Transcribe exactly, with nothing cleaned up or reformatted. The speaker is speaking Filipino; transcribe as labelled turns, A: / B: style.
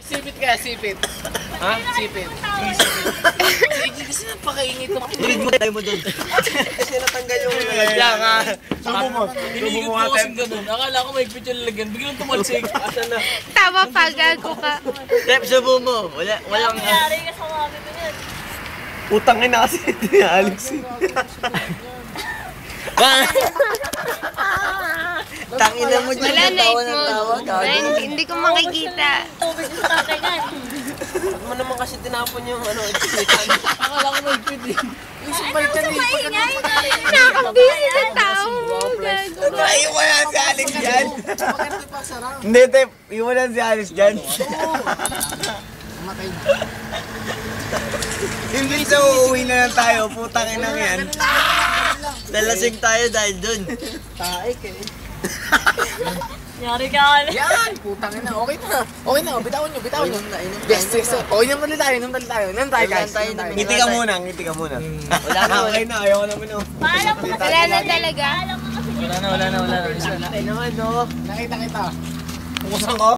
A: Sipit kaya, sipit. Ha? Sipit. Sige, kasi napakaingit ng
B: Read mo tayo mo doon. Kasi natanggal yung
A: Kaya nga.
B: Subo mo.
A: Inigot ko kasing ganun. Akala ko may picture lagyan. Biglang tumalsik. Asa na?
C: Tama pa, gago ka.
B: Tep, subo mo. Wala, walang...
D: Nangyari ka sa mami ko niyan.
B: Utang ina kasi ito ni Alex. Tangina mo dyan.
C: Wala na,
B: tawa
C: it
B: ng
C: mo.
B: tawa, gago.
C: Hindi, hindi ko makikita.
D: Tubig sa tatay nga.
B: Ba't mo naman kasi tinapon yung ano,
A: Akala ko may pwede. Yung sabay ka
D: Ano
A: ni.
D: maingay?
C: Nakakabisi ng tao. Gago.
B: Iwanan si Alex dyan.
A: Bakit pa sarap?
B: Hindi, Tep. Iwanan si Alex dyan.
A: Matay.
B: Hindi sa uuwi na lang tayo. Putang ina yan. Nalasing tayo dahil dun.
A: Taik eh.
D: Nangyari ka ka na.
A: Yan! Putang ina. Okay na. Okay na. Bitawan nyo, bitawan nyo.
B: Inom na, inom na,
A: Best,
B: inom
A: best.
B: na.
A: Okay na mali tayo. Inom tayo. Inom tayo guys.
B: Inom tayo,
A: Inom tayo.
B: ngiti ka muna, ngiti ka muna. Wala na, okay na. Ayaw ko naman oh.
D: Paalam mo kasi.
C: Wala na talaga.
D: Paalam mo kasi.
A: Wala na, wala na, wala na. Isa na.
B: Ay naman, no.
A: Nakita kita.
B: Pukusang ko.